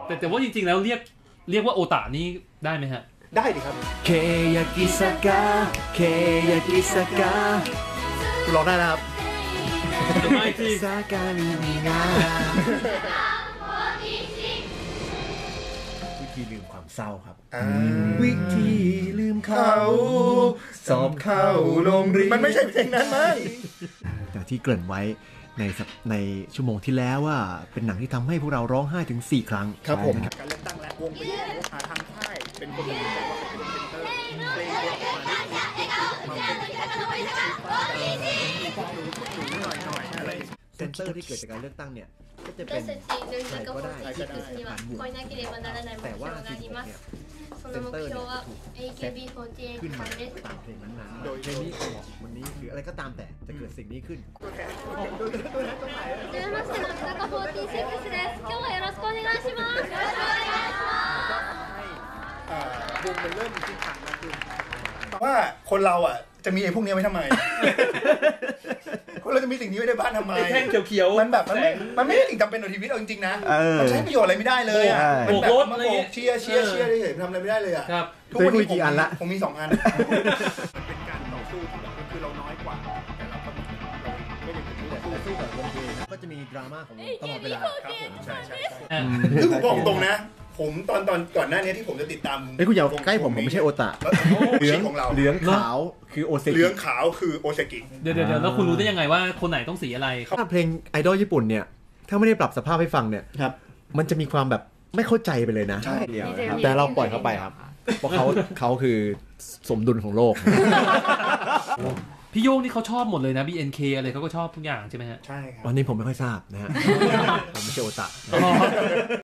แต่ว่าจริงๆแล้วเรียกว่าโอตานี่ได้ไหมฮะได้ดิครับเคยากิสกะเคยากิสกะคุณร้องได้นะครับไม่ที่สากาลิมิงาวิธีลืมความเศร้าครับวิธีลืมเขาสอบเข้าโรงเรียนมันไม่ใช่เพลงนั้นมั้งแต่ที่เกริ่นไว้ในชั่วโมงที่แล้วว่าเป็นหนังที่ทำให้พวกเราร้องไห้ถึง4 ครั้งครับผมการเลือกตั้งและวงเป็นทางค่ายเป็นคนบอกว่าเป็นเซนเตอร์เพลงเยอะกว่าเซนเตอร์ที่เกิดจากการเลือกตั้งเนี่ยก็จะเป็นใครก็ได้ผ่านบวกแต่ว่าสิ่งเนี่ยเซนเตอร์เนี่ยขึ้นมาตามเพลงนั้นๆโดยเพลงนี้เหมาะวันนี้หรืออะไรก็ตามแต่จะเกิดสิ่งนี้ขึ้นวงมันเริ่มทิศทางมากขึ้นว่าคนเราอ่ะจะมีไอ้พวกนี้ไว้ทำไมคนเราจะมีสิ่งนี้ไว้ในบ้านทำไมแท่งเขียวๆมันแบบมันไม่ได้สิ่งจำเป็นต่อชีวิตเอาจริงๆนะมันใช้ประโยชน์อะไรไม่ได้เลยอ่ะมันแบบมาโบกเชียร์ได้เห็นทำอะไรไม่ได้เลยอ่ะทุกวันนี้กี่อันละผมมี2 อันมันเป็นการต่อสู้ที่แบบคือเราน้อยกว่าแต่เราก็ไม่ได้สู้กับวงเพลงก็จะมีดราม่าของตลอดเวลาครับผมใช่คือผมบอกตรงนะผมตอนก่อนหน้านี้ที่ผมจะติดตามคุณอย่าใกล้ผมไม่ใช่โอตะเหลืองของเราเหลืองขาวคือโอเซกิเหลืองขาวคือโอเซกิเดี๋ยวแล้วคุณรู้ได้ยังไงว่าคนไหนต้องสีอะไรถ้าเพลงไอดอลญี่ปุ่นเนี่ยถ้าไม่ได้ปรับสภาพให้ฟังเนี่ยมันจะมีความแบบไม่เข้าใจไปเลยนะใช่แต่เราปล่อยเขาไปครับเพราะเขาคือสมดุลของโลกพี่โยงนี่เขาชอบหมดเลยนะ BNK อะไรเขาก็ชอบทุกอย่างใช่ไหมฮะใช่ครับวันนี้ผมไม่ค่อยทราบนะฮะผมไม่ใช่โอตะ